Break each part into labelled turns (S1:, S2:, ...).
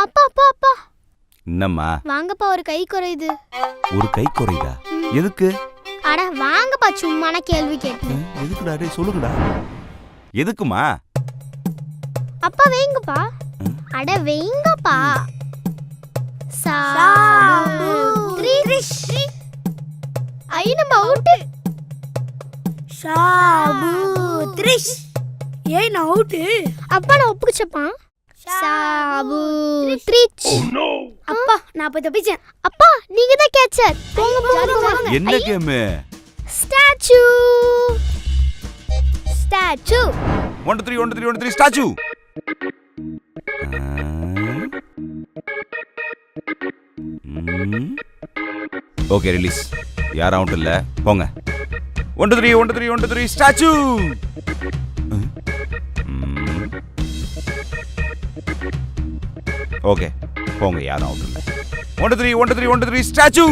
S1: அப்பா அப்பா அப்பா.
S2: என்னம்மா?
S1: வாங்கப்பா, ஒரு கை குறையுது.
S2: ஒரு கை குறையுதா? எதுக்கு?
S1: அட வாங்கப்பா, சும்மான கேள்வி கேட்டு.
S2: எதுக்குடா? டேய் சொல்லுங்கடா. எதுக்குமா?
S1: அப்பா வைங்கப்பா. அட வைங்கப்பா. ஐ நம்ம அவுட்.
S3: சாபுத்ரிஷ். ஏய் நான் அவுட்.
S1: அப்பா நான் ஒப்புச்சப்பா. சாபுத்ரிஷ்.
S3: அப்பா நான் போய் தப்பிச்சேன்.
S1: அப்பா நீங்க தான் கேட்சர். போங்க போங்க.
S2: என்ன game?
S1: Statue. Statue.
S2: 1 2 3 1 2 3 1 2 3 statue. Okay release. யார் அவுட் இல்ல, போங்க. 1 2 3 1 2 3 1 2 3 ஸ்டாச்சு. ஓகே போங்க, யார் அவுட் இல்ல. 1 2 3 1 2 3 1 2 3 ஸ்டாச்சு.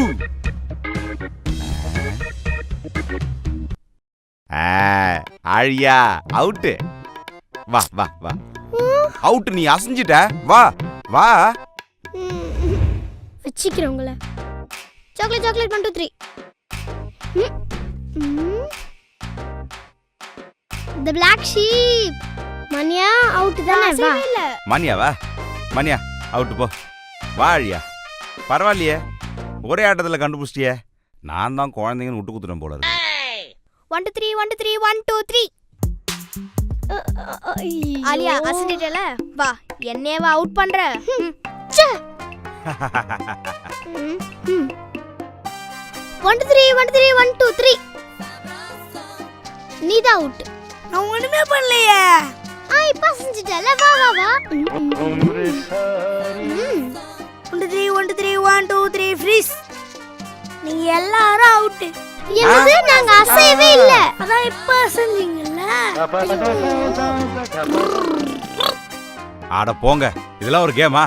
S2: ஆழியா அவுட். வா வா வா. அவுட். நீ அசஞ்சிட்ட. வா வா.
S1: வச்சிக்கிறேன் உங்களை. Chocolate chocolate 1 2 3. The black sheep. மணியா அவுட் தானே? வா.
S2: மணியா வா. மணியா அவுட் போ. வா ஆழியா. பரவாயில்லையே, ஒரே ஆட்டத்தில் கண்டுபிடிச்சிட்டியே. நான் தான் குழந்தைங்கன்னு விட்டு குத்துறேன் போல இருக்கு.
S1: 1 2 3 1 2 3 1 2 3.
S3: ஆலியா அசந்திட்டல. வா என்னேவா அவுட் பண்ற?
S1: 1 2 3 1 2 3 1 2 3. நீதான் அவுட்.
S3: நான் ஒண்ணுமே பண்ணலையே.
S1: இப்ப செஞ்சிட்டல. வா வா வா.
S3: 1 3 1 3 1 2 3 ஃப்ரீஸ். நீங்க எல்லாரும் அவுட்.
S1: என்னது? நாங்க அசையவே இல்ல.
S3: அதான் இப்ப அசந்தீங்கல்ல.
S2: ஆட போங்க, இதெல்லாம் ஒரு கேமா?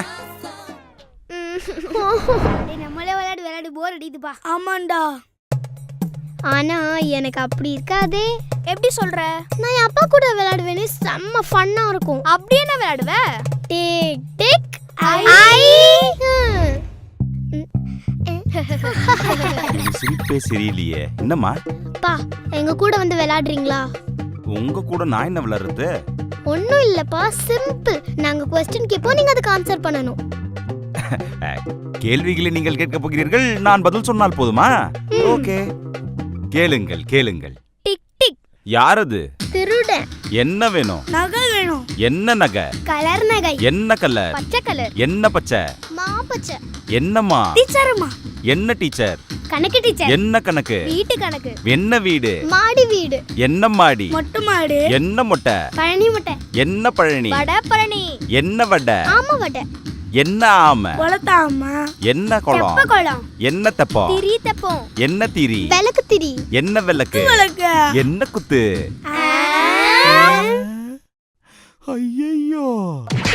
S3: நம்மளே விளையாடு போர் அடிக்குதுப்பா. ஆமாண்டா.
S1: ஆனா எனக்கு அப்படி இருக்காதே.
S3: எப்படி சொல்ற?
S1: நான் என் அப்பா கூட விளையாடுவேனே, செம்ம ஃபன்னா இருக்கும்.
S3: அப்படி என்ன விளையாடுவ?
S1: டிக் டிக் ஐ.
S2: சிரிப்பே சரியில்லையே. என்னம்மா?
S1: பா எங்க கூட வந்து விளையாடுறீங்களா?
S2: உங்க கூட நான் என்ன விளையாடுறது?
S1: ஒண்ணும் இல்லப்பா, சிம்பிள். நாங்க क्वेश्चन கேப்போம், நீங்க அதுக்கு ஆன்சர் பண்ணனும்.
S2: கேள்விகளை நீங்கள் கேட்க போகிறீர்கள், நான் பதில் சொன்னால் போதுமா? ஓகே, கேளுங்கள் கேளுங்கள்.
S1: Tick tick.
S2: யாரது?
S1: திருடன்.
S2: என்ன வேணும்?
S3: நகை வேணும்.
S2: என்ன நகை?
S1: கலர் நகை.
S2: என்ன கலர்?
S1: பச்சை கலர்.
S2: என்ன பச்சை?
S1: மா பச்சை.
S2: என்னம்மா?
S3: டீச்சர்மா.
S2: என்ன டீச்சர்?
S1: கணக்கு டீச்சர்.
S2: என்ன கணக்கு?
S1: வீட்டு கணக்கு.
S2: என்ன வீடு?
S1: மாடி வீடு.
S2: என்ன மாடி?
S3: மொட்டை மாடு.
S2: என்ன மொட்டை?
S1: பழனி மொட்டை.
S2: என்ன பழனி?
S1: வட பழனி.
S2: என்ன வடை?
S1: ஆமா வடை.
S2: என்ன ஆமை?
S3: கொளத்தாமா.
S2: என்ன குளம்?
S1: தெப்ப குளம்.
S2: என்ன தெப்பம்?
S1: திரி தெப்பம்.
S2: என்ன திரி?
S1: விளக்கு திரி.
S2: என்ன விளக்கு?
S3: விளக்கு.
S2: என்ன குத்து? ஐயையோ.